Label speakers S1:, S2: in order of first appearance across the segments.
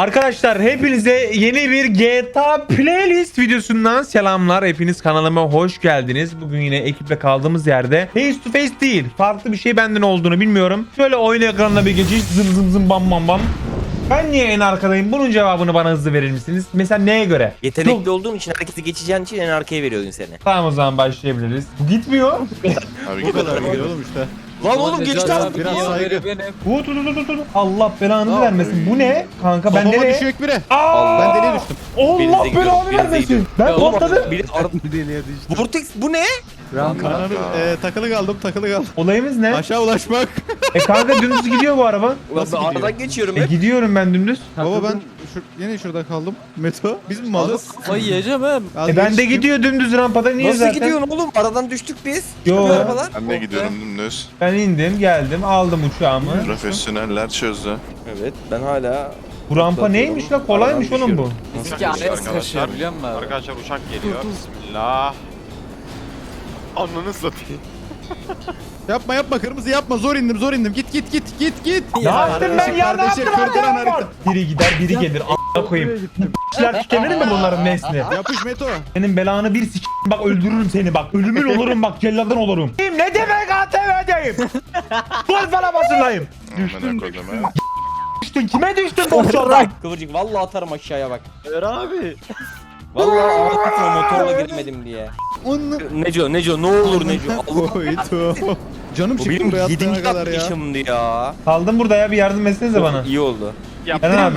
S1: Arkadaşlar hepinize yeni bir GTA playlist videosundan selamlar. Hepiniz kanalıma hoş geldiniz. Bugün yine ekiple kaldığımız yerde face to face değil, farklı bir şey benden olduğunu bilmiyorum. Şöyle oyun ekranına bir geçiş, zım zım zım bam bam bam. Ben niye en arkadayım? Bunun cevabını bana hızlı verir misiniz? Mesela neye göre?
S2: Yetenekli olduğun için herkesi geçeceğin için en arkaya veriyordun seni.
S1: Tamam, o zaman başlayabiliriz. Bu gitmiyor.
S3: Abi
S4: Bu kadar gidiyor oğlum işte.
S2: Lan oğlum geçti abi.
S4: Biraz saygı.
S1: Bu dur. Allah belanızı vermesin. Bu ne? Kanka ben
S4: Kafama
S1: nereye?
S4: düşüyor bire.
S1: Aa!
S4: Ben deliye düştüm.
S1: Allah
S2: Birinize gidiyorum,
S1: belanı
S2: birinize
S1: vermesin.
S2: gidiyorum.
S1: Ben patladım.
S2: Biri Vortex bu ne?
S4: Kanka. Takılı kaldım.
S1: Olayımız ne?
S4: Aşağı ulaşmak.
S1: Kanka dümdüz gidiyor bu araba.
S2: Ulan
S4: Nasıl
S2: ben
S4: gidiyor?
S2: aradan geçiyorum hep.
S1: Gidiyorum ben dümdüz.
S4: Baba ben yine şurada kaldım. Meto. Biz mi malız?
S5: Ay yiyeceğim ha.
S1: Ben de gidiyor dümdüz rampada. Niye
S2: Nasıl
S1: zaten?
S2: gidiyorsun oğlum? Aradan düştük biz.
S1: Yo.
S2: Çıkıyor arabalar.
S3: ben de gidiyorum dümdüz.
S1: Ben indim geldim aldım uçağımı.
S3: Profesyoneller çözdü.
S2: Evet ben hala.
S1: Bu rampa neymiş la? Kolaymış
S2: Aradan
S1: oğlum bu.
S5: Bizimki araya sıkışıyor biliyor musun abi?
S6: Arkadaşlar uçak geliyor. Bismillah. Ananı satayım.
S4: Yapma kırmızı yapma. Zor indim. Git.
S1: Ne yaptım ben ya? Ne
S4: Kardeşim,
S1: yaptım
S4: kırdıran
S1: ben ya?
S4: harita.
S1: Biri gider biri gelir. A**a koyayım. Bu işler tükenir mi bunların nesli?
S4: Yapış Meto.
S1: Senin belanı bir bak öldürürüm seni bak. Ölümün olurum bak, celladın olurum. Ne demek ATV'deyim? Gol falan basınlayım.
S3: Düştüm.
S1: Düştün kime düştün bu uçaktan?
S2: Kıvırcık vallahi atarım aşağıya bak.
S6: Ver abi.
S2: Vallahi ağlatma motorla giremedim diye.
S4: Onu.
S2: Neco ne olur Neco. Allah.
S4: Koydu. Canım
S2: Bu
S4: çıktı
S2: benim
S4: buraya
S2: 7.
S4: attığına kadar ya.
S2: atlayışımdı ya.
S1: Kaldım burada ya, bir yardım etsenize bana.
S2: İyi oldu.
S1: Ben abi.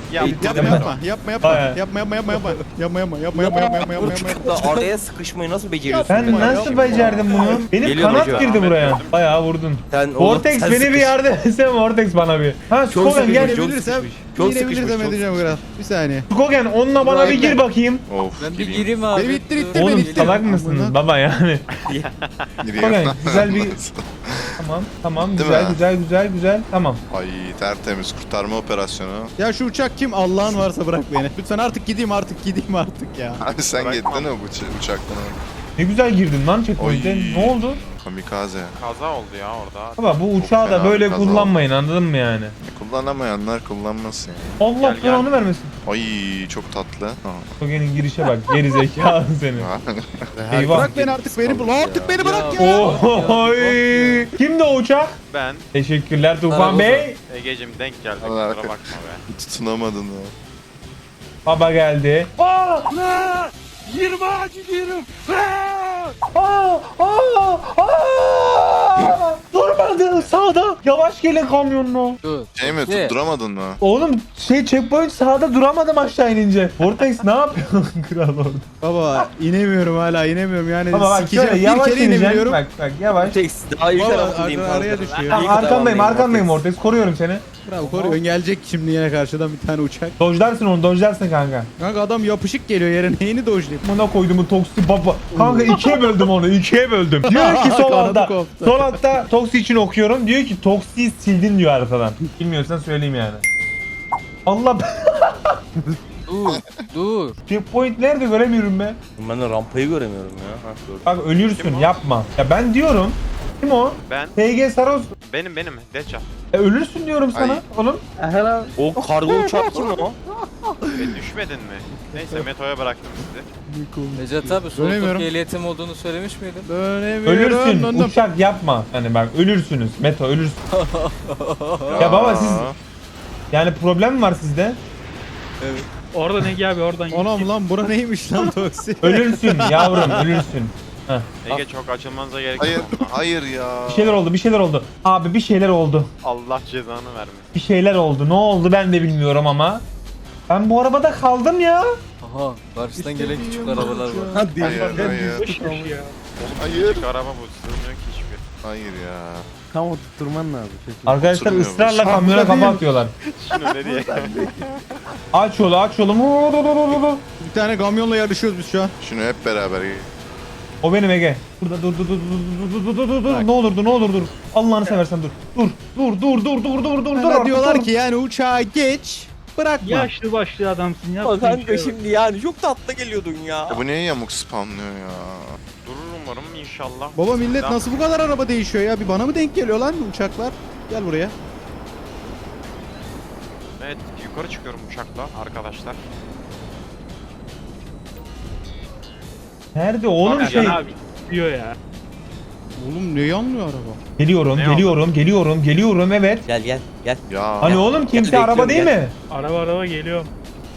S4: Yapma.
S2: Uçakta araya sıkışmayı nasıl beceriyorsun?
S1: Ben
S2: be?
S1: nasıl becerdim bunu? Benim
S2: Geliyor
S1: kanat
S2: Neco.
S1: girdi buraya. Bayağı vurdun.
S2: Sen, oğlum,
S1: Vortex
S2: sen
S1: beni bir
S2: sıkış-
S1: yardım etsene, Vortex bana bir. Ha
S2: Çok
S1: Skogen gel.
S2: sıkışmış,
S4: Binebilirsem,
S2: Çok
S4: binebilirsem
S2: sıkışmış,
S4: edeceğim biraz. Bir saniye.
S1: Skogen onunla bana bir gir bakayım.
S3: Of
S5: Ben bir
S3: gireyim.
S5: gireyim abi.
S4: Beni ittir,
S5: Dur.
S4: ittir.
S1: Oğlum
S4: ittir.
S1: salak mısınız
S4: Amına.
S1: baba yani?
S3: Giriyorum.
S1: Skogen güzel bir... Tamam
S3: Değil
S1: güzel tamam.
S3: Ay tertemiz kurtarma operasyonu.
S4: Ya şu uçak kim? Allah'ın varsa bırak beni. Lütfen artık gideyim ya.
S3: Abi sen
S6: Bırakmam.
S3: gittin mi bu uçaktan?
S1: Ne güzel girdin lan checkpoint'e.
S3: Oy.
S1: Ne oldu?
S3: Kamikaze.
S6: Kaza oldu ya orada.
S1: Baba bu uçağı da
S3: fena
S1: böyle
S3: bir kaza
S1: kullanmayın, anladın mı yani?
S3: Kullanamayanlar kullanmasın yani.
S1: Allah
S6: Gel,
S1: belanı vermesin.
S3: Ay çok tatlı. Ha.
S1: Skogen'in girişe bak, geri zekalı seni. Eyvah.
S4: Bırak beni artık beni. Artık beni bırak ya.
S1: Oy! Kimdi o uçak?
S6: Ben
S1: Teşekkürler Tufan
S5: Merhaba.
S1: Bey.
S6: Egecim denk geldi.
S3: Allah
S6: Kusura
S3: Allah.
S6: bakma be.
S3: Tutunamadın ya.
S1: Baba geldi. Aa! Durmadı sağda. Yavaş gelin kamyonla.
S5: Dur.
S3: Şey mi
S5: Ne?
S3: tutturamadın mı?
S1: Oğlum checkpoint sağda duramadım aşağı inince. Vortex ne yapıyorsun kral orada?
S4: Baba inemiyorum yani.
S1: Ama bak
S4: Sikeceğim.
S1: şöyle
S4: Bir
S1: yavaş
S4: kere
S1: ineceksin.
S4: inemiyorum.
S1: Bak yavaş.
S2: Vortex daha iyi
S4: Baba
S2: tarafındayım.
S4: araya
S2: kanka.
S4: düşüyor.
S1: Tamam,
S2: İyi
S1: arkandayım
S2: tarafındayım
S1: Vortex. Koruyorum seni.
S4: Bravo koruyorsun. Gelecek şimdi yine karşıdan bir tane uçak.
S1: Dojlarsın onu, dojlarsın kanka.
S4: Kanka adam yapışık geliyor yere. Neyini dojlayayım?
S1: Buna koyduğumu toksi baba. Kanka ikiye böldüm onu, ikiye böldüm. Diyor ki sol
S4: Kanadı
S1: altta.
S4: koptu.
S1: Sol altta toksi için okuyorum. Diyor ki toksiyi sildin diyor haritadan. Bilmiyorsan söyleyeyim yani. Allah
S5: Dur.
S1: checkpoint nerede göremiyorum be.
S2: Ben de rampayı göremiyorum ya. Ha, gördüm.
S1: Bak ölürsün,
S6: Kim o?
S1: yapma. Ya ben diyorum. Kim o?
S6: Ben
S1: TG Saros.
S6: benim Deca.
S1: Ölürsün diyorum sana
S3: Ay.
S1: oğlum.
S2: O kargo uçak kim o?
S6: Düşmedin mi? Neyse Meto'ya bıraktım sizi.
S5: Necat abi sol
S4: Dönemiyorum.
S5: Türkiye ehliyetim olduğunu söylemiş miydin?
S4: Dönemiyorum.
S1: Ölürsün.
S4: Döndüm.
S1: Uçak yapma. Hani bak ölürsünüz. Meto ölürsün. Ya baba siz yani problem mi var sizde?
S7: Oradan Ege abi oradan git.
S4: Anam lan bura neymiş lan toksi?
S1: Ölürsün yavrum ölürsün.
S6: Ege çok açılmanıza gerek
S3: Hayır,
S6: yok.
S3: hayır ya.
S1: Bir şeyler oldu. Abi bir şeyler oldu.
S6: Allah cezanı vermesin.
S1: Bir şeyler oldu. Ne oldu ben de bilmiyorum ama. Ben bu arabada kaldım ya.
S5: Aha karşıdan gelen küçük arabalar var.
S3: Hayır, hayır.
S7: Ya.
S3: Hayır.
S6: Küçük araba bu sığmıyor ki hiçbir.
S3: Hayır ya.
S1: Arkadaşlar
S3: Oturmuyor
S1: ısrarla
S3: bu.
S1: kamyona kafa atıyorlar.
S6: Şunu nereye?
S1: Aç yolu aç yolu.
S4: Bir tane kamyonla yarışıyoruz biz şu an.
S3: Şunu hep beraber.
S1: O benim Ege. Burada dur. Ne olur dur. Allah'ını seversen dur. Dur.
S4: Bana diyorlar ki yani uçağa geç. Bırakma.
S7: Yaşlı başlı adamsın ya.
S2: Ama kanka şimdi yani çok tatlı geliyordun ya.
S3: Ya bu niye yamuk spamlıyor ya?
S6: Durur umarım inşallah.
S4: Baba millet
S6: Tamam.
S4: nasıl bu kadar araba değişiyor ya? Bir bana mı denk geliyor lan bu uçaklar? Gel buraya.
S6: Evet yukarı çıkıyorum uçakla arkadaşlar.
S1: Nerede oğlum
S6: Bak,
S1: şey?
S7: Can abi diyor ya.
S4: Oğlum ne yanlıyor araba?
S1: Geliyorum,
S6: Ne
S1: geliyorum evet.
S2: Gel gel gel.
S3: Ya.
S1: Hani oğlum kimse
S2: Bekliyorum,
S1: araba değil
S2: gel.
S1: mi?
S7: Araba geliyorum.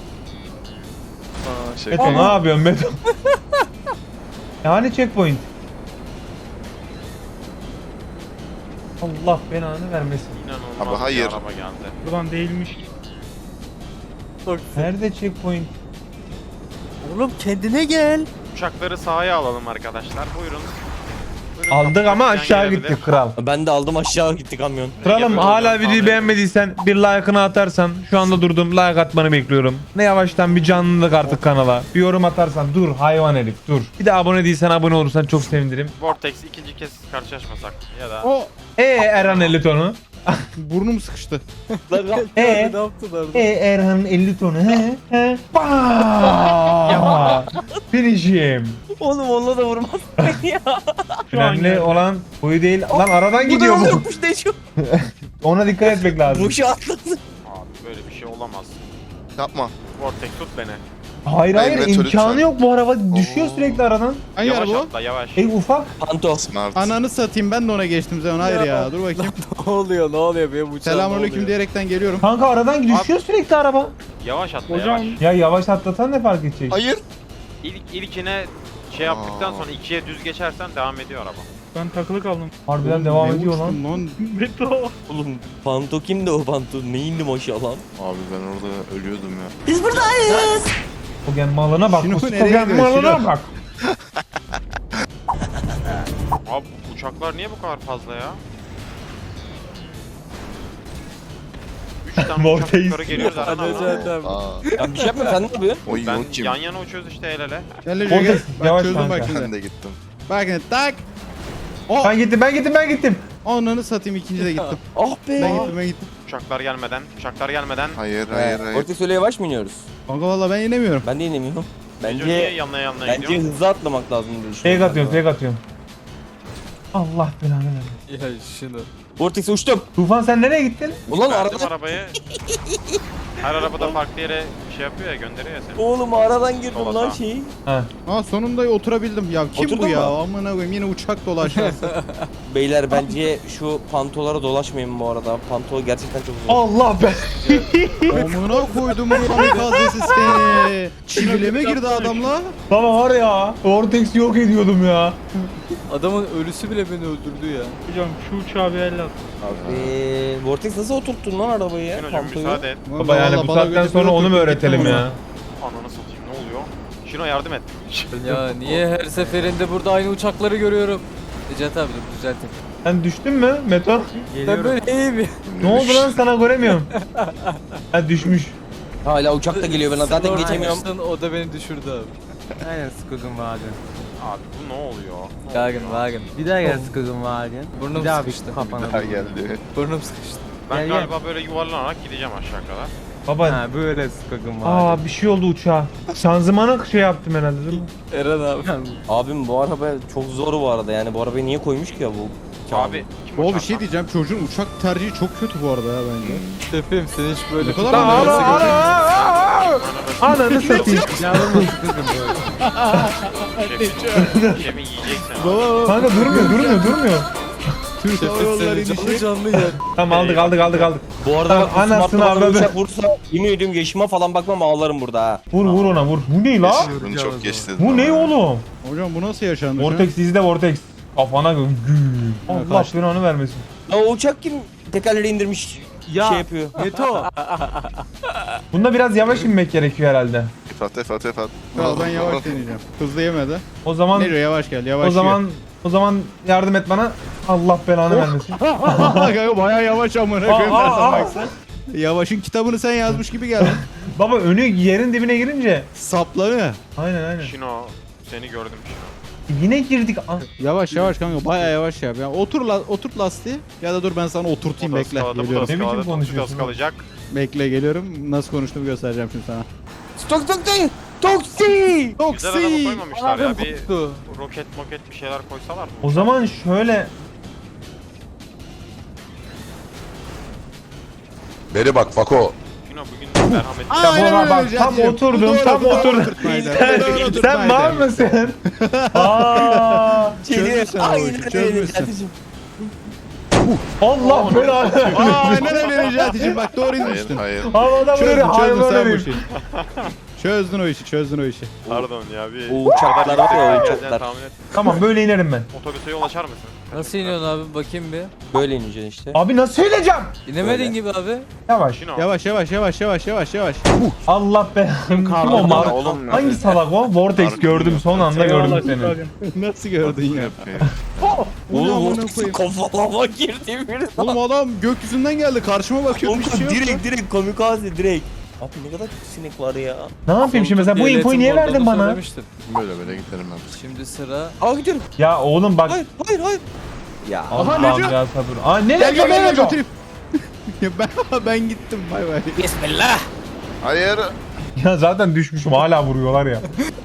S3: Şey,
S1: Beto ne yapıyorsun Beto? Yani checkpoint. Allah belanı vermesin.
S6: İnanılmaz
S3: Abi, hayır.
S6: bir araba geldi.
S7: Buradan değilmiş ki.
S1: Nerede checkpoint?
S5: Oğlum kendine gel.
S6: Uçakları sahaya alalım arkadaşlar. Buyurun. Buyurun,
S1: Aldık ama
S6: kapıdan
S1: aşağı
S6: gelebilir.
S1: gittik kral.
S2: Ben de aldım aşağı gitti kamyon.
S1: Kralım
S6: Yapıyorum
S1: hala
S6: ben,
S1: videoyu
S6: tahmin
S1: beğenmediysen bir like'ını atarsan şu anda durdum like atmanı bekliyorum. Ne yavaştan bir canlılık artık kanala. Bir yorum atarsan dur hayvan herif dur. Bir de abone değilsen abone olursan çok sevinirim.
S6: Vortex ikinci kez karşılaşmasak ya da
S4: O
S1: Erhan 50 tonu.
S4: burnum sıkıştı.
S5: Ne yaptılar?
S1: Erhan'ın 50 tonu he. Baaaaaa. Finish'im.
S2: Oğlum onunla da vurmaz beni ya.
S7: Şu an
S1: Önemli
S7: geldi.
S1: olan boyu değil. Lan aradan gidiyor
S2: Bu da
S1: bu.
S2: yokmuş ne şu?
S1: Ona dikkat etmek lazım.
S2: Boşu atladı.
S6: abi böyle bir şey olamaz.
S3: Yapma.
S6: Vortex tut beni.
S1: Hayır hayır
S3: Meto
S1: imkanı
S3: lütfen.
S1: yok bu araba düşüyor
S3: Oo.
S1: sürekli aradan.
S4: Hangi
S6: Yavaş
S4: araba o?
S6: atla yavaş.
S1: Ufak.
S2: Panto.
S3: Smart.
S4: Ananı satayım ben de ona geçtim sen hayır ya. Dur bakayım.
S5: Ne oluyor benim uçağım
S4: Selamünaleyküm diyerekten geliyorum.
S1: Kanka aradan düşüyor sürekli araba.
S6: Yavaş atla
S7: Hocam
S6: yavaş.
S1: Ya yavaş atlatan ne fark edecek?
S3: Hayır.
S6: İlkine şey yaptıktan
S3: Aa.
S6: sonra ikiye düz geçersen devam ediyor araba.
S7: ben takılı kaldım.
S1: Harbiden
S4: Oğlum,
S1: devam
S4: ne
S1: ediyor lan.
S4: uçtum lan.
S7: Beto.
S2: Oğlum Panto kimdi o Panto? Ne indi maşallah lan?
S3: Abi ben orada ölüyordum ya.
S1: Kogen malına bak.
S4: Şino nereye
S1: Kogen
S4: gidiyor,
S1: malına
S4: Şino?
S1: bak.
S6: Abi uçaklar niye bu kadar fazla ya? 3 tane uçak
S1: Vortex.
S6: yukarı geliyor zaten
S5: Hadi
S6: ama.
S5: abi.
S3: Aa.
S2: Ya bir şey yapma sen ne yapıyorsun?
S3: Oy
S6: Ben
S3: yok kim?
S6: yan yana uçuyoruz işte el ele.
S4: Gel Recep gel.
S1: Vortex,
S4: Bak
S1: yavaş
S4: çözdüm
S1: kanka.
S4: bak
S3: Ben
S4: şimdi.
S3: de gittim.
S4: Bak şimdi tak. O
S1: Ben gittim.
S4: ananı satayım ikinci de gittim.
S2: Ah be.
S4: Ben gittim.
S6: Uçaklar gelmeden.
S3: Hayır.
S2: Orta öyle yavaş mı iniyoruz?
S4: Kanka valla ben inemiyorum.
S2: Ben de inemiyorum.
S6: Bence niye
S2: Bence
S6: yanına yanına
S2: bence
S6: gidiyor?
S2: hızlı atlamak lazım diye düşünüyorum.
S1: Fake atıyorum. Allah belanı versin.
S5: Ya şunu.
S2: Vortex'e uçtum.
S1: Tufan sen nereye gittin?
S2: Ulan
S6: Verdim
S2: arada
S6: arabayı. Her arabada farklı yere şey yapıyor ya gönderiyor ya seni.
S2: oğlum aradan girdim
S6: Sola
S2: lan
S6: sağ.
S2: şeyi.
S1: Ha.
S4: Ha sonunda oturabildim. Ya kim
S2: Oturdun
S4: bu ya?
S2: mu?
S4: Amına koyayım yine uçak dolaşıyor.
S2: Beyler bence şu pantolara dolaşmayın bu arada. Panto gerçekten çok zor.
S1: Allah be.
S4: Amına koydum bu kamikazesi seni. Çivileme girdi adamla.
S1: Baba var ya. Vortex yok ediyordum ya.
S5: Adamın ölüsü bile beni öldürdü ya.
S7: Hocam şu uçağa bir el at.
S2: Abi Vortex nasıl oturttun lan arabayı ya?
S6: Gün hocam
S2: Pantoyu.
S6: müsaade et.
S1: Baba yani bu
S4: Vallahi bana
S1: saatten
S4: göre
S1: sonra
S4: bir
S1: onu mu
S4: oturdum,
S1: öğretelim
S4: gittim
S1: ya?
S6: Ananı satayım ne oluyor? Şino yardım et.
S5: Ya niye her seferinde burada aynı uçakları görüyorum? Necat abi dur düzelteyim.
S1: Sen düştün mü Meto?
S5: Ben böyle iyiyim ya.
S1: Ne oldu lan sana göremiyorum. Ha düşmüş.
S2: Hala uçak da geliyor ben zaten
S5: Sen
S2: geçemiyorum.
S5: ortamışsın, o da beni düşürdü abi.
S8: Aynen Skogun Wagen.
S6: Abi bu ne oluyor?
S5: Wagen.
S8: Bir daha gel Skogun Wagen.
S5: Burnum
S8: Bir daha
S5: sıkıştı.
S8: kafana.
S3: Daha geldi.
S5: Burnum sıkıştı.
S6: Ben
S8: Gel,
S6: galiba böyle yuvarlanarak gideceğim aşağı kadar.
S1: Baba.
S8: Ha böyle Skogun Wagen.
S1: Aa bir şey oldu uçağa. Şanzımanı şey yaptım herhalde değil mi?
S5: Eren abi.
S2: Abim bu araba çok zor bu arada yani bu arabayı niye koymuş ki ya bu?
S6: Abi kim
S4: O bir
S6: uçak
S4: şey
S6: lan?
S4: diyeceğim çocuğun uçak tercihi çok kötü bu arada ya bence.
S5: Şefim sen hiç böyle
S4: Ne kadar
S1: Lan
S4: Ananı
S1: Ananı satayım.
S8: Yavrum Skogun böyle.
S6: Şefin yiyecek seni.
S4: Baba
S1: Kanka durmuyor.
S4: Türk Hava Yolları
S5: seni canlı
S4: inişi.
S5: canlı yer.
S1: Tamam aldık.
S2: Bu arada
S1: Tamam,
S2: bak bu
S1: anasını
S2: smartphone
S1: avradı.
S2: uçak vursa yemin ediyorum yaşıma falan bakmam ağlarım burada ha.
S1: Vur ona vur. Bu ne la?
S3: Bunu çok geç dedim.
S1: Bu ne oğlum?
S4: Hocam bu nasıl yaşandı?
S1: Vortex izle Vortex. Kafana gül. Allah
S4: kaçtı.
S1: beni onu vermesin.
S2: Ya o uçak kim tekerleri indirmiş
S8: Ya.
S2: şey yapıyor.
S8: Meto.
S1: Bunda biraz yavaş inmek gerekiyor herhalde.
S3: Efat.
S4: Ya ben yavaş deneyeceğim. Hızlı yemedi.
S1: O zaman
S4: Nero yavaş gel yavaş
S1: o zaman yardım et bana. Allah belanı vermesin.
S4: Kanka bayağı yavaş amına koyayım ben sana baksana. Yavaş'ın kitabını sen yazmış gibi geldin.
S1: Baba önü yerin dibine girince.
S4: Saplanı.
S1: Aynen.
S6: Şino seni gördüm Şino.
S1: Yine girdik.
S4: Yavaş kanka bayağı yavaş yap. Ya oturt lastiği ya da dur ben sana oturtayım
S6: Bu da
S4: bekle.
S6: ıskaladı, bu da
S4: Geliyorum.
S1: Ne biçim
S6: ıskaladı,
S1: konuşuyorsun
S6: bu da ıskalacak.
S4: Bekle geliyorum. Nasıl konuştuğumu göstereceğim şimdi sana.
S2: Toksi!
S6: Güzel araba koymamışlar ya. Bir
S5: koptu.
S6: roket bir şeyler koysalar mı?
S1: O zaman şöyle.
S9: Beri bak Fako.
S6: Şino Şino bugün merhametli.
S1: Ya bu
S4: Aynen
S1: bak
S4: öyle
S1: tam
S4: Cihat'cığım.
S1: oturdum
S4: Bu doğru,
S1: tam
S4: bu doğru
S1: oturdum.
S4: oturtmaydı.
S1: Sen,
S4: Bu doğru
S1: sen
S4: oturtmaydı.
S1: var mısın? Aa,
S4: Çözmüşsün o
S2: Aynen
S4: işi,
S2: öyle
S4: çözmüşsün.
S2: Cihat'cığım.
S1: Allah belanı.
S4: Aynen öyle Necati'cim bak doğru
S3: Hayır
S4: inmiştin.
S3: hayır.
S1: Havada
S4: Çözdün,
S1: böyle
S4: çözdün
S1: hayvan
S4: sen bu
S1: herif.
S4: işi. Çözdün o işi, çözdün o işi.
S6: Pardon ya bir...
S2: O uçaklar var ya, o
S6: Geleceğini
S2: uçaklar.
S6: tahmin et.
S1: Tamam böyle inerim ben.
S6: Otobüse yol açar mısın?
S5: Nasıl iniyorsun abi bakayım bir.
S2: Böyle ineceksin işte.
S1: Abi nasıl ineceğim?
S5: İnemedin
S2: Böyle.
S5: gibi abi.
S1: Yavaş.
S6: Şino.
S4: Yavaş yavaş yavaş yavaş yavaş yavaş.
S1: Allah be. Kim o
S3: Lan
S1: mal?
S3: oğlum ya.
S1: Hangi salak o? Vortex
S3: Arkım
S1: gördüm
S3: yok.
S1: son anda
S7: Eyvallah
S1: gördüm seni.
S7: Skagan.
S4: Nasıl gördün ya?
S3: Yapıyor.
S2: Oğlum
S4: amına
S2: vortex
S4: koyayım.
S2: kafama girdi bir.
S4: Oğlum adam gökyüzünden geldi karşıma bakıyor bir
S2: Kanka
S4: şey yok.
S2: direkt kamikaze direkt. Abi ne kadar çok sinek var ya.
S1: Ne yapayım şimdi mesela bu
S5: Devletin
S1: infoyu niye verdin
S5: olduğunu
S1: bana?
S5: söylemiştim.
S3: Böyle böyle giderim ben.
S5: Şimdi sıra.
S2: Aa gidiyorum.
S1: Ya oğlum bak.
S2: Hayır. Ya.
S1: Allah'ım
S4: Neco.
S1: ya sabır. Aa ne
S4: Gel
S1: Neco
S4: gel
S1: ne
S4: gel
S1: Neco?
S4: götüreyim. Ya ben gittim bay bay.
S2: Bismillah.
S3: Hayır.
S1: Ya zaten düşmüşüm hala vuruyorlar ya.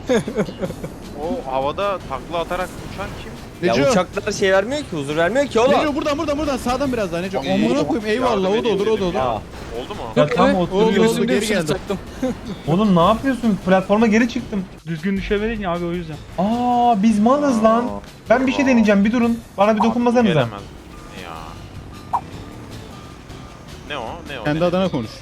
S6: O havada takla atarak uçan kim?
S2: Ya
S4: Neco.
S2: uçaklar şey vermiyor ki, huzur vermiyor ki oğlum.
S4: Neco buradan sağdan biraz daha Neco.
S6: İyi.
S4: Amına koyayım eyvallah o da olur o da olur.
S2: Ya.
S6: Oldu mu?
S1: Ya tam
S5: Evet,
S1: oturuyorsun.
S4: oldu,
S5: Gözümde
S4: geri
S5: bir şey
S4: geldim.
S5: taktım.
S1: Oğlum ne yapıyorsun? Platforma geri çıktım.
S7: Düzgün düşemedin ya abi o yüzden.
S1: Aa biz malız lan. Ben bir şey deneyeceğim bir durun. Bana bir dokunmasanıza.
S6: Gelemez. Ya. Ne o? Ne o?
S4: Kendi
S6: Ne?
S4: adına konuş.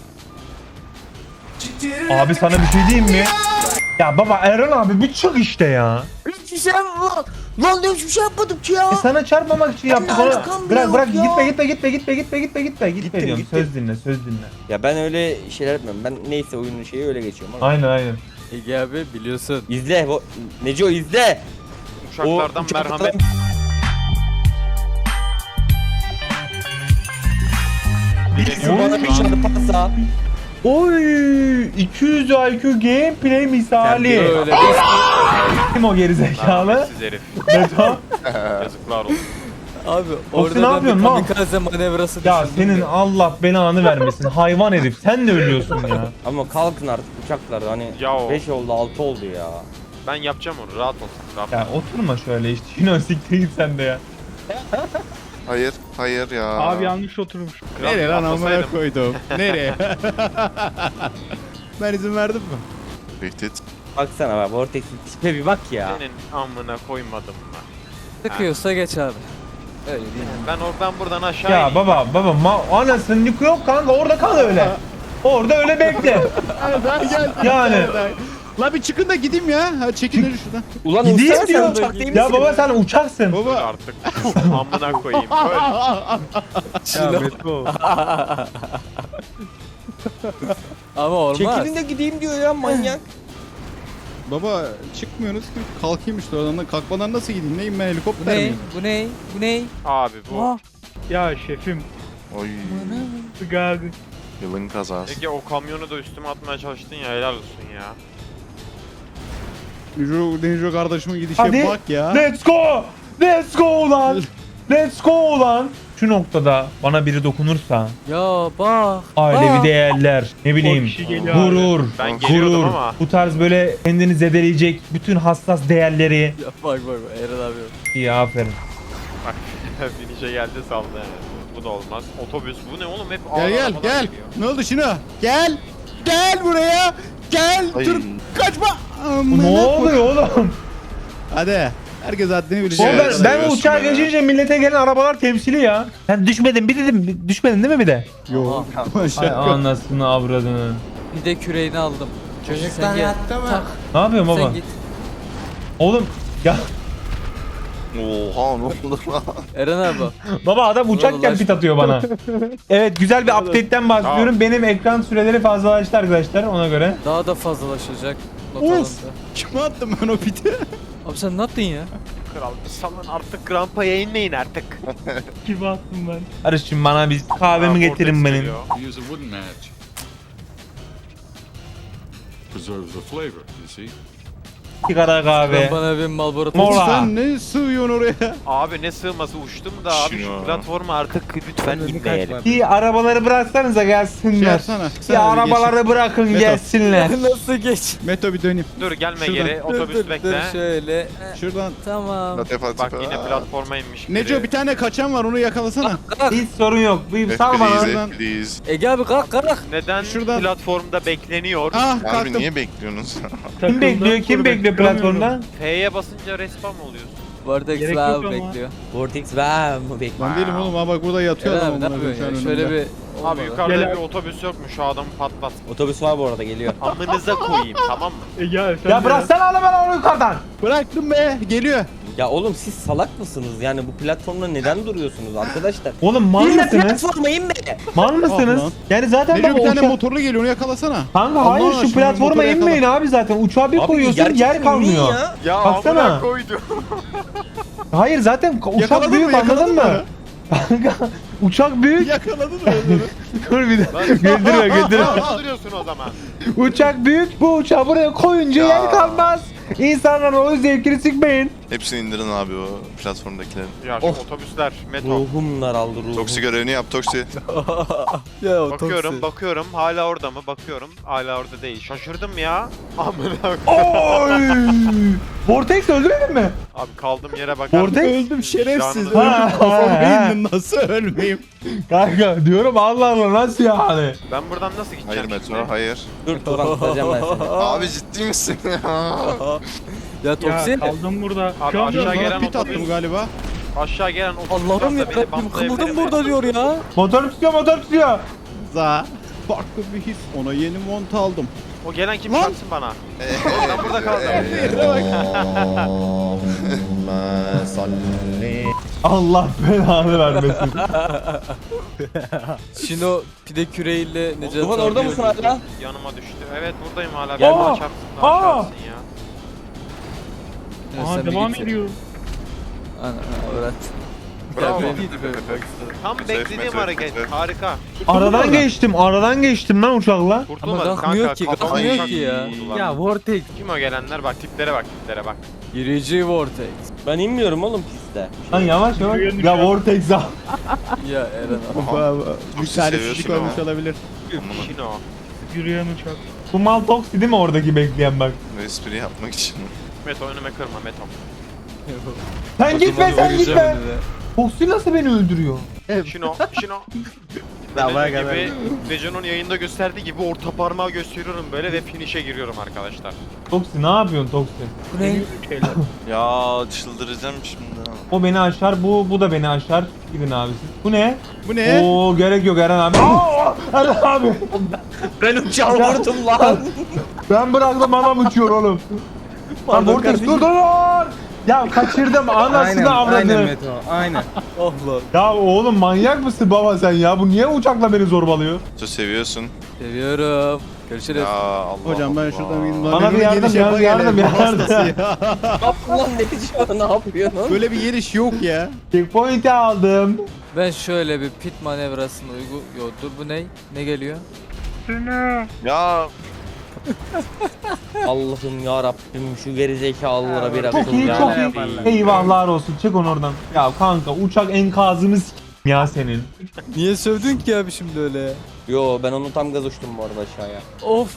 S1: Abi sana bir şey diyeyim mi? Ya baba Erhan abi bir çık işte ya.
S2: Hiçbir şey yapmadım. Lan hiçbir şey yapmadım ki ya.
S1: Sana çarpmamak için yaptık
S2: Ben
S1: onu.
S2: arkam bile
S1: Bırak
S2: yok ya.
S1: gitme. Gitme
S2: Gittim,
S1: diyorum.
S2: gittim.
S1: Söz dinle.
S2: Ya ben öyle şeyler yapmıyorum. Ben neyse oyunun şeyi öyle geçiyorum. Ama.
S1: Aynen.
S5: Ege abi biliyorsun.
S2: İzle. Neco izle.
S6: Uçaklardan merhamet.
S2: Birisi bana bir çarparsa.
S1: Oy 200 IQ gameplay misali.
S5: Öyle
S1: Kim o gerizekalı?
S6: Merhametsiz herif.
S1: Neto.
S6: Yazıklar olsun.
S5: Abi
S1: ne
S5: orada ben
S1: yapıyorsun
S5: bir
S1: lan?
S5: kamikaze manevrası
S1: Ya
S5: düşündüm
S1: senin Allah belanı vermesin hayvan herif. Sen de ölüyorsun ya.
S2: Ama kalkın artık uçaklar hani
S6: Ya o.
S2: 5 oldu 6 oldu ya.
S6: Ben yapacağım onu. Rahat olsun. Rahat.
S1: Ya oturma şöyle işte. Yine siktir git sen de ya.
S3: Hayır. Hayır ya.
S7: Abi yanlış oturmuş.
S6: Kral,
S4: Nereye lan amına
S6: atlasaydım.
S4: koydum? Nereye? Ben izin verdim mi?
S3: Tehdit.
S2: Baksana bak Vortex'in tipe bir bak ya.
S6: Senin amına koymadım ben.
S5: Sıkıyorsa geç abi. Öyle değil mi?
S6: Ben buradan aşağı
S1: Ya
S6: ineyim.
S1: baba anasının yükü yok kanka orada kal öyle. Orada öyle bekle.
S4: Gel.
S1: Yani.
S4: La bir çıkın da gideyim ya. Hadi çekin hadi şuradan.
S2: Ulan
S1: Gideyim
S2: uçsana sen
S1: diyor.
S2: uçak değil
S1: Ya
S2: misin?
S1: baba sen uçaksın.
S6: Dur
S4: Baba.
S6: artık. Amına koyayım. Öl.
S8: Ya Meto.
S5: Ama olmaz.
S2: Çekilin de gideyim diyor ya manyak.
S4: Baba çıkmıyorsunuz ki. Kalkayım işte oradan. Kalkmadan nasıl gideyim? Neyim ben
S5: Bu
S4: helikopter
S5: ne?
S4: miyim?
S5: Bu ne? Bu ne?
S6: Abi bu.
S5: Aa,
S7: Ya şefim.
S3: Oy.
S7: Skagan.
S3: Yılın kazası.
S6: Ege o kamyonu da üstüme atmaya çalıştın ya helal olsun ya.
S4: Neco kardeşimin gidişe
S1: Hadi.
S4: bak ya.
S1: Let's go. Let's go ulan. Let's go ulan. Şu noktada bana biri dokunursa
S5: ya bak.
S1: ailevi
S5: Aa.
S1: değerler ne bileyim
S7: kişi geliyor abi.
S1: gurur
S6: Ben geliyordum
S1: gurur
S6: ama.
S1: bu tarz böyle kendini zedeleyecek bütün hassas değerleri
S5: Ya bak Eren abi.
S1: iyi aferin.
S6: Bak finişe geldi saldı yani. Bu da olmaz. Otobüs bu ne oğlum hep ağır
S4: Gel
S6: arabalar
S4: gel.
S6: geliyor.
S4: Ne oldu şunu? Gel. Gel buraya. Gel.
S3: Ay.
S4: Dur. Kaçma.
S1: Bu
S4: Amına
S1: ne
S4: koy-
S1: oluyor oğlum?
S4: Hadi. Herkes haddini
S1: Oğlum
S4: bilecek.
S1: ben
S3: seviyorsun
S1: uçağa
S3: beni.
S1: geçince millete gelen arabalar temsili ya. Sen düşmedin bir dedim düşmedin değil mi bir de?
S4: Yok.
S1: Ay
S4: Şaka.
S1: anasını avradını.
S5: Bir de küreğini aldım. Sen gel. Tak.
S1: Ne yapıyorsun baba?
S5: Sen git.
S1: Oğlum ya
S3: Oha ne oldu lan?
S5: Eren abi.
S1: baba adam uçakken
S5: Ulan
S1: pit atıyor bana. Evet güzel bir update'ten bahsediyorum. Benim ekran süreleri fazlalaştı arkadaşlar ona göre.
S5: Daha da fazlalaşacak. Not
S4: Of.
S5: alındı.
S4: Kime attım ben o piti?
S5: Abi sen ne yaptın ya?
S6: Kral salın artık rampaya inmeyin artık.
S7: Gibi attım ben.
S1: Karışın bana bir kahvemi getirin benim.
S9: Use a wooden match. Preserves the flavor, you see.
S1: Sigara kahve.
S5: Bana bir Marlboro
S1: Mola.
S4: Sen ne sığıyorsun oraya?
S6: Abi ne sığması uçtum da abi
S3: Şunu.
S6: şu platforma artık lütfen inmeyelim.
S1: Bir arabaları bıraksanıza
S4: Şey
S1: gelsinler.
S4: yapsana.
S1: Bir arabaları bırakın
S4: Meto.
S1: gelsinler.
S5: Nasıl geç?
S4: Meto bir döneyim.
S6: Dur gelme
S4: Şuradan.
S6: geri otobüs
S5: Dur
S6: bekle.
S5: şöyle.
S4: Şuradan.
S5: Tamam.
S3: Latif
S6: Bak yine platforma inmiş.
S4: Neco
S6: biri.
S4: bir tane kaçan var onu yakalasana.
S1: Hiç sorun yok. Bir sal bana.
S4: Şuradan.
S3: Please.
S5: Ege abi kalk.
S6: Neden
S4: Şuradan.
S6: platformda bekleniyor?
S4: Ah
S3: Abi
S4: kalktım.
S3: niye bekliyorsunuz?
S1: Kim bekliyor? Kim bekliyor platformda?
S6: F'ye basınca respawn oluyorsun.
S5: Vortex
S7: Gerek
S5: abi
S7: yok ama.
S5: bekliyor.
S2: Vortex ver mi bekle?
S4: Ben değilim oğlum ha bak burada yatıyor
S5: Eren
S4: adam.
S5: abi ne
S4: amına
S5: yapıyorsun
S4: koyayım
S5: ya?
S4: şu an
S5: Şöyle
S4: önümde.
S5: bir...
S6: Abi
S5: olmadı.
S6: yukarıda
S7: Gel
S6: bir
S7: abi.
S6: otobüs yok mu? Şu adamı patlat.
S2: Otobüs var bu arada geliyor.
S6: Amınıza koyayım tamam mı?
S7: Ya sen
S1: Ya bıraksana ala ben onu yukarıdan.
S4: Bıraktım be geliyor.
S2: Ya oğlum siz salak mısınız? Yani bu platformda neden duruyorsunuz arkadaşlar?
S1: Oğlum mal
S2: İnme
S1: mısınız?
S2: platforma inme.
S1: Mal
S4: Ah
S1: mısınız?
S4: lan.
S1: Yani zaten
S4: Neco
S1: bak
S4: bir tane
S1: uçak...
S4: motorlu geliyor onu yakalasana.
S1: Kanka
S4: Allah
S1: hayır şu
S4: aşkına
S1: platforma
S4: motoru yakala.
S1: inmeyin abi zaten. Uçağı bir koyuyorsun yer
S2: gerçekten
S1: kalmıyor.
S2: inmeyin ya.
S6: Ya
S1: Baksana.
S6: amına koydu.
S1: Hayır zaten uçak
S4: Yakaladın
S1: büyük
S4: mı,
S1: anladın
S4: yakaladın
S1: mı?
S4: mı?
S1: Kanka uçak büyük.
S4: Yakaladın mı onları?
S1: Dur bir dakika. Güldürme güldürme.
S6: Kaldırıyorsun o zaman.
S1: Uçak büyük. Bu uçağı buraya koyunca
S3: Ya.
S1: yer kalmaz. İnsanların o zevkini sıkmayın.
S3: Hepsini indirin abi o platformdakilerin.
S6: Ya şu otobüsler, metro.
S2: Ruhumlar aldı ruhum.
S3: Toksi görevini yap Toksi.
S5: Ya
S6: Bakıyorum hala orada mı? Bakıyorum hala orada değil. Şaşırdım ya. Amına koyayım.
S1: Oy! Vortex öldürmedin mi?
S6: Abi kaldığım yere bak.
S1: Vortex.
S4: Öldüm şerefsiz.
S6: Canını-
S1: Ha,
S4: Öldüm kafamı
S1: ha.
S4: indim nasıl ölmeyeyim?
S1: Kanka diyorum Allah Allah nasıl yani?
S6: Ben buradan nasıl
S3: Hayır
S6: gideceğim şimdi?
S3: Metro hayır.
S2: Dur Turan tutacağım ben seni.
S3: Abi ciddi misin ya?
S5: Ya
S7: Ya
S5: Toksi.
S7: kaldım burada.
S6: Abi
S7: Şu an
S6: aşağı
S4: Bana
S6: gelen
S4: pit attım
S6: otobüs.
S4: galiba.
S6: Aşağı gelen otobüs.
S5: Allah'ım ya
S6: varsa beni
S5: kalbim
S6: bantlayabilir
S5: kımıldım
S6: mi?
S5: burada diyor ya.
S1: Motor tutuyor motor tutuyor.
S4: Za. Farklı bir his. Ona yeni mont aldım.
S6: O gelen kim
S4: Lan.
S6: çarpsın bana? Ben burada kaldım.
S1: Allah belanı vermesin.
S5: Şino pide küreğiyle Necati
S2: Tufan
S5: abi
S2: orada mısın
S5: öldürdü.
S2: hala?
S6: Yanıma düştü. Evet buradayım hala.
S2: Gel.
S6: Bana çarpsın da
S1: Aa.
S6: aşağısın ya.
S5: Ya
S7: Aha
S5: sen bir
S7: devam
S5: git.
S7: ediyor.
S5: Ana öğret.
S6: Bravo.
S5: Ya belliydi böyle bak.
S6: Tam
S3: Metre,
S6: beklediğim
S3: metre,
S6: hareket.
S3: metre.
S6: Harika.
S1: Aradan geçtim lan uçakla.
S6: Kurtulmadım
S5: Ama kalkmıyor
S6: kanka.
S5: ki,
S6: Kafama
S5: kalkmıyor
S6: uçak
S5: ki ya.
S6: vurdular.
S8: Ya Vortex.
S6: Kim o gelenler? Bak tiplere bak tiplere bak.
S5: Girici Vortex.
S2: Ben inmiyorum oğlum piste.
S1: Lan yavaş yavaş.
S7: Yürüyen
S1: Ya
S7: uçak.
S1: Vortex al.
S5: Ya Eren abi.
S3: Aha.
S4: Bir
S3: Toksi
S4: talihsizlik
S3: seviyorsun
S4: olmuş
S3: ama.
S4: olabilir.
S6: Şino.
S7: Yürüyen uçak.
S1: Bu mal Toksi değil mi oradaki bekleyen bak.
S3: Bu espri yapmak için.
S6: Meto önüme kırma Meto.
S1: Sen gitme sen
S5: Uyuyacağım
S1: gitme.
S5: önüne.
S1: Toksi nasıl beni öldürüyor?
S6: Şino. Şino.
S4: Davaya
S6: Dediğim
S4: kadar.
S6: gibi Dejan'ın yayında gösterdiği gibi orta parmağı gösteriyorum böyle ve finish'e giriyorum arkadaşlar.
S1: Toksi ne yapıyorsun Toksi?
S5: Bu ne?
S7: Şeyler.
S3: Ya çıldıracağım şimdi.
S1: O beni aşar bu da beni aşar. Gidin abi siz. Bu ne?
S4: Bu ne?
S1: Oo gerek yok Eren abi. Aa, Eren abi.
S2: Ben uçağı vurdum lan.
S1: Ben bıraktım adam uçuyor oğlum. Lan Vortex dur. Ya kaçırdım anasını
S8: Aynen
S1: avradını.
S8: Metro. Aynen.
S5: Oh lan.
S1: Ya oğlum manyak mısın baba sen ya? Bu niye uçakla beni zorbalıyor?
S3: Çok seviyorsun.
S5: Seviyorum. Görüşürüz.
S3: Ya Allah
S4: Hocam ben
S3: Allah.
S4: şuradan gideyim.
S1: Bana
S4: Lan
S1: bir
S4: benim
S1: yardım,
S4: geliş yapa
S1: yardım,
S4: gelen
S1: yardım.
S4: hastası ya.
S2: Ne yaptın lan ne yapıyorsun?
S4: Böyle bir geliş yok ya.
S1: Checkpoint'i aldım.
S5: Ben şöyle bir pit manevrasını Yo dur bu ne? Ne geliyor?
S3: Ya
S2: Allah'ım ya Rabbim şu gerizekalılara bir
S1: Çok
S2: akıl
S1: iyi
S2: ya.
S1: çok iyi.
S8: yaparlar.
S1: Eyvahlar olsun çek onu oradan. Ya kanka uçak enkazını ya senin.
S5: Niye sövdün ki abi şimdi öyle ya?
S2: Yo ben onu tam gaz uçtum bu arada aşağıya.
S5: Of.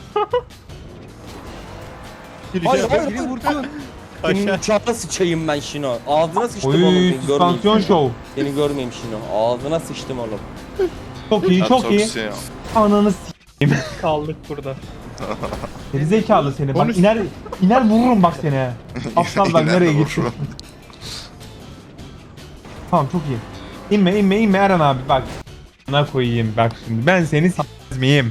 S2: Hayır hayır
S4: Biri
S2: hayır.
S4: vurdu.
S2: Senin uçağına sıçayım ben Şino. Ağzına sıçtım oğlum
S1: Oy
S2: seni görmeyeyim.
S1: süspansiyon show.
S2: Seni görmeyeyim Şino. Ağzına sıçtım oğlum.
S1: Çok iyi
S3: ya
S1: çok iyi.
S3: Toksi ya.
S1: Ananı
S7: Kaldık burada.
S1: Gerizekalı seni. Bak
S4: Konuş.
S1: iner vururum bak seni. he. Aptal bak
S3: İner
S1: nereye
S3: vururum.
S1: gitti. Tamam çok iyi. İnme Eren abi bak. Ne koyayım bak şimdi. Ben seni s**z miyim?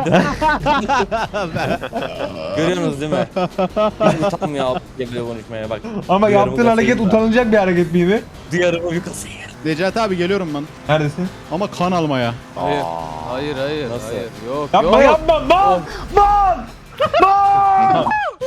S2: Görüyorsunuz değil mi? Hiç utanmıyor geliyor konuşmaya bak.
S1: Ama
S2: Duyarımı
S1: yaptığın hareket
S2: kasayım da.
S1: utanılacak bir hareket miydi?
S2: Duyarımı bir kasayım.
S4: Necati abi geliyorum ben.
S1: Neredesin?
S4: Ama kan almaya.
S5: Hayır. Hayır.
S2: Nasıl?
S5: Hayır. Yok
S1: Yapma
S5: yok.
S1: yapma bak! Bak! Bak!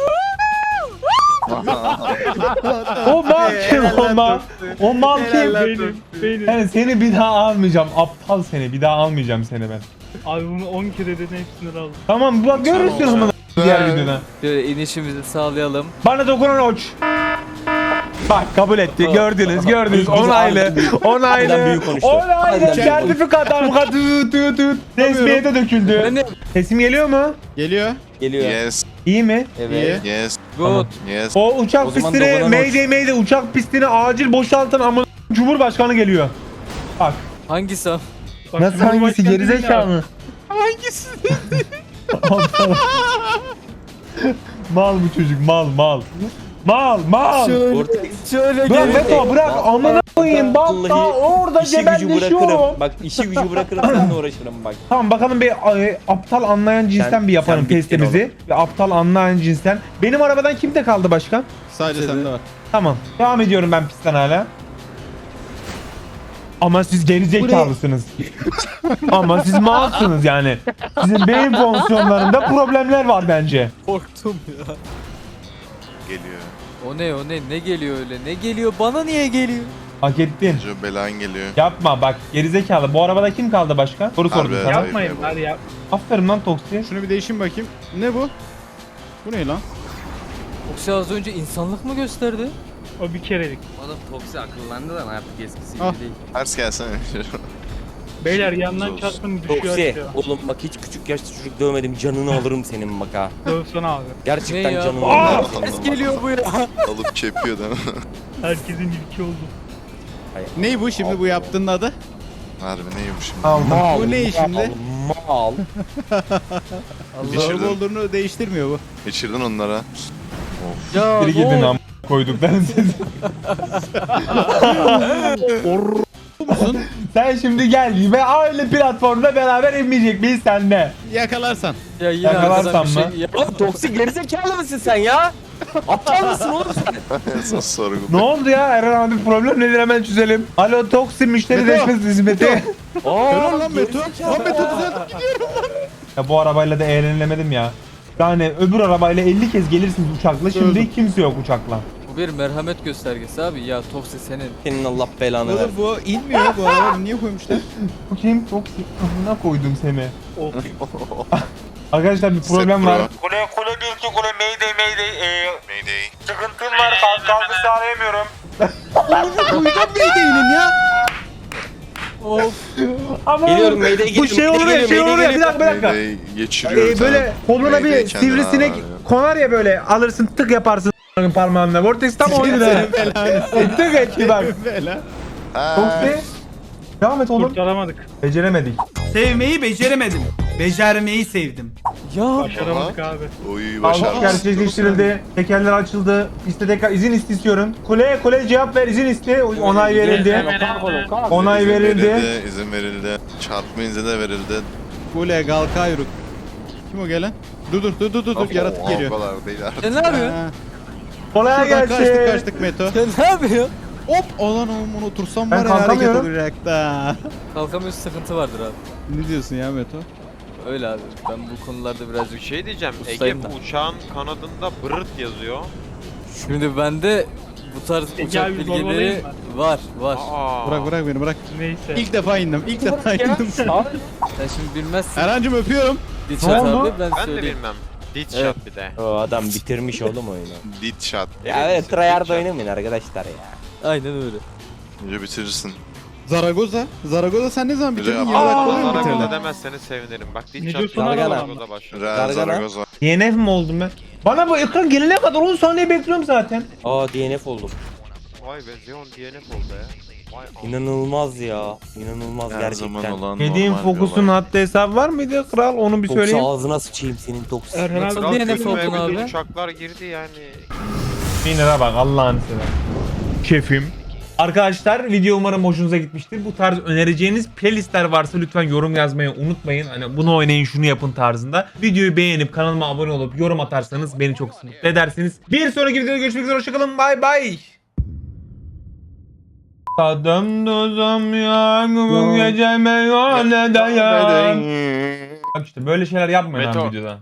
S1: O mal kim o mal? O mal kim?
S7: Benim.
S1: Yani seni bir daha almayacağım. Aptal seni. Bir daha almayacağım seni ben.
S7: Abi bunu 10 kere dedin hepsini aldım.
S1: Tamam bak görürsün ama. Diğer videoda.
S5: Şöyle inişimizi sağlayalım.
S1: Bana dokunan uç. Bak kabul etti. Gördünüz. Onaylı.
S2: Harbiden büyük konuştu.
S1: Onaylı.
S2: Harbiden büyük
S1: Sertifika damga tut. Resmiye de döküldü.
S5: Ben de
S1: Sesim geliyor mu?
S4: Geliyor.
S2: Geliyor.
S3: Yes.
S1: İyi mi?
S2: Evet.
S3: Yes.
S5: good.
S3: Yes.
S1: O uçak
S2: O zaman
S1: pistini
S2: dokunan
S1: Mayday uçak pistini acil boşaltın ama Cumhurbaşkanı geliyor. Bak.
S5: Hangisi o?
S7: Bak,
S1: Nasıl hangisi
S7: Cumhurbaşkanı değil
S1: gerizekalı?
S5: Hangisi?
S1: Mal bu çocuk mal. Mal.
S5: Şöyle
S1: Bırak
S5: gel.
S1: Beto bırak amına koyayım bak
S2: Vallahi
S1: daha orada
S2: İşi gücü
S1: cebelleşiyorum.
S2: bırakırım. Bak işi gücü bırakırım seninle uğraşırım bak.
S1: Tamam bakalım bir aptal anlayan cinsten bir yapalım
S2: sen bittin
S1: testimizi. Bir aptal anlayan cinsten. Benim arabadan kimde kaldı başkan?
S4: Sadece sende var.
S1: Tamam. Devam ediyorum ben pistten hala. Ama siz gerizekalısınız. Ama siz malsınız yani. Sizin beyin fonksiyonlarında problemler var bence.
S5: Korktum ya.
S3: Geliyor.
S5: O ne geliyor öyle? Ne geliyor? Bana niye geliyor?
S1: Hak ettin.
S3: Joe belan geliyor.
S1: Yapma bak gerizekalı. Bu arabada kim kaldı başka? Soru
S3: Harbi
S1: sordum
S3: evet.
S1: sana.
S7: Yapmayın hadi yap.
S1: Aferin lan Toksi.
S4: Şunu bir değişin bakayım. Ne bu? Bu ne lan?
S5: Yoksa az önce insanlık mı gösterdi?
S7: O bir kerelik.
S8: Oğlum Toksi akıllandı lan artık eskisi
S4: Ah.
S8: gibi değil.
S3: Ters gelsene.
S7: Beyler yandan
S3: Zor.
S7: çarptım düşüyor
S2: Toksi.
S7: aşağı.
S2: Oğlum bak hiç küçük yaşta çocuk dövmedim. Canını alırım senin bak ha.
S7: Dövsene abi.
S2: Gerçekten
S5: Ne ya?
S2: canını
S1: Aa!
S2: alırım.
S5: Ses geliyor bu ya.
S3: Alıp çepiyor değil mi?
S7: Herkesin ilki oldu.
S4: Ney bu şimdi bu yaptığın adı?
S3: Harbi neymiş şimdi?
S1: Aldım.
S2: Mal,
S4: Bu ne şimdi?
S2: Mal.
S3: Geçirdin.
S4: Araba olduğunu değiştirmiyor bu.
S3: Geçirdin onlara.
S5: Ya
S1: Biri
S5: ne
S1: gidin
S5: oldu?
S1: am koyduklarını siz.
S4: Musun?
S1: Sen şimdi gel ve aynı platformda beraber inmeyecek miyiz senle?
S4: Yakalarsan.
S5: Ya yine
S1: Yakalarsan
S5: arkadan bir
S1: mı?
S5: şey. Ya,
S2: Oğlum toksik gerizekalı mısın sen ya? Aptal mısın oğlum sen?
S3: Esas sorgu.
S1: Ne oldu ya Eren abi problem nedir hemen çözelim. Alo Toksi müşteri
S4: Meto.
S1: değişmesi hizmeti.
S4: Helal lan Meto. Lan Meto düzeltip gidiyorum.
S1: Ya bu arabayla da eğlenilemedim ya. Yani öbür arabayla 50 kez gelirsiniz uçakla şimdi
S4: Öldüm.
S1: kimse yok uçakla.
S5: bu bir merhamet göstergesi abi. Ya Toksi senin.
S2: Senin Allah belanı ver.
S4: Oğlum bu inmiyor bu araba. Niye koymuşlar?
S1: Bu kim? Toksi. Amına koydum seni.
S7: Of.
S1: Arkadaşlar bir problem
S3: Sepro.
S1: var.
S9: Kule 1-2 kule mayday.
S3: Mayday.
S9: Sıkıntım var kalkış sağlayamıyorum.
S4: Uydan beydeyinin ya.
S5: Of.
S1: Ama
S2: Geliyorum, Mayday
S1: bu
S2: geliyorum,
S1: şey olur ya
S2: Mayday
S1: şey olur ya bir
S2: geliyorum,
S1: dakika bir dakika.
S3: Mayday geçiriyor.
S1: Böyle koluna
S3: Mayday
S1: bir
S3: kendini
S1: sivrisinek
S3: ağır ya.
S1: konar ya böyle alırsın tık yaparsın parmağınla. Vortex tam oydu da.
S4: Senin belanı.
S1: Tık etti bak.
S4: Bela.
S3: Ha.
S1: Toksi. Devam et oğlum.
S7: Kurtaramadık.
S1: Beceremedik.
S10: Sevmeyi beceremedim. Becermeyi sevdim.
S5: Ya
S7: Başaramadık abi.
S3: Oy
S1: Alkış
S3: başarmış.
S1: gerçekleştirildi. Tekerler açıldı. İste tekrar izin istiyorum. Kule cevap ver izin iste. Onay verildi. Onay verildi.
S3: İzin verildi. Çarpma izni de verildi.
S4: Kule Galkayruk. Kim o gelen? Dur yaratık
S3: O
S4: geliyor.
S3: kadar değil artık.
S5: sen ne yapıyorsun?
S4: Ha.
S1: Kolay
S4: Şuradan
S1: gelsin.
S4: kaçtık Meto.
S5: Sen ne yapıyorsun?
S4: Hop! Olan oğlum otursam
S1: Ben
S4: var ya hareket
S1: kalkamıyorum.
S4: olacaktı ha.
S5: Kalkamıyorsun sıkıntı vardır abi.
S4: Ne diyorsun ya Meto?
S5: Öyle abi. Ben bu konularda birazcık
S6: Bir şey diyeceğim. Ege
S5: Ustayım
S6: bu
S5: ben.
S6: uçağın kanadında bırırt yazıyor.
S5: Şimdi bende bu tarz
S7: Ege
S5: uçak
S7: abi
S5: bilgileri
S7: zorbalayayım
S5: var.
S6: Aa.
S4: Bırak beni bırak.
S7: Neyse.
S4: İlk defa indim.
S5: Sen şimdi bilmezsin.
S4: Erhan'cım öpüyorum.
S5: Dilşat
S1: Ne oldu?
S5: abi ben
S6: Ben de
S5: söyleyeyim.
S6: bilmem. Dit
S5: Evet.
S6: shot bir de.
S2: O adam bitirmiş oğlum oyunu.
S3: Dit shot.
S2: Ya evet tryhard oynamayın arkadaşlar ya.
S5: Aynen öyle.
S3: Önce bitirirsin.
S4: Zaragoza sen ne zaman bitirdin?
S3: Güzel.
S4: 20 dakika oluyor mu
S6: Zaragoza
S4: bitirdin?
S6: demezseniz sevinirim. Bak
S7: Ne
S6: dit shot
S7: diyorsun
S2: lan?
S6: Zaragoza başlıyor.
S3: Real
S2: Gargana.
S3: Zaragoza.
S1: DNF mi oldum ben? Bana bu ekran gelene kadar 10 saniye bekliyorum zaten.
S2: Aa DNF oldum.
S6: Vay be Zeon DNF oldu ya. Vay am-
S2: İnanılmaz ya. İnanılmaz
S3: Her
S2: gerçekten.
S3: zaman olan
S1: Dediğim
S3: normal bir
S1: fokusun
S3: olay.
S1: haddi hesabı var mıydı kral onu bir
S2: Toksa
S1: söyleyeyim.
S2: ağzına sıçayım senin toksik.
S7: Erhan abi
S5: Nasıl
S6: Kral
S5: DNF
S6: gözüme
S5: oldun
S6: bütün
S5: abi?
S6: uçaklar girdi yani.
S1: Binlere bak Allah'ını seversen. Şefim. Arkadaşlar video umarım hoşunuza gitmiştir. Bu tarz önereceğiniz playlistler varsa lütfen yorum yazmayı unutmayın. Hani bunu oynayın şunu yapın tarzında. Videoyu beğenip kanalıma abone olup yorum atarsanız beni çok mutlu edersiniz. Bir sonraki videoda görüşmek üzere hoşçakalın bay bay. Tadım tuzum ya bu gece meyhanede ya. Bak işte böyle şeyler yapmayın abi
S6: Meto.
S1: videoda.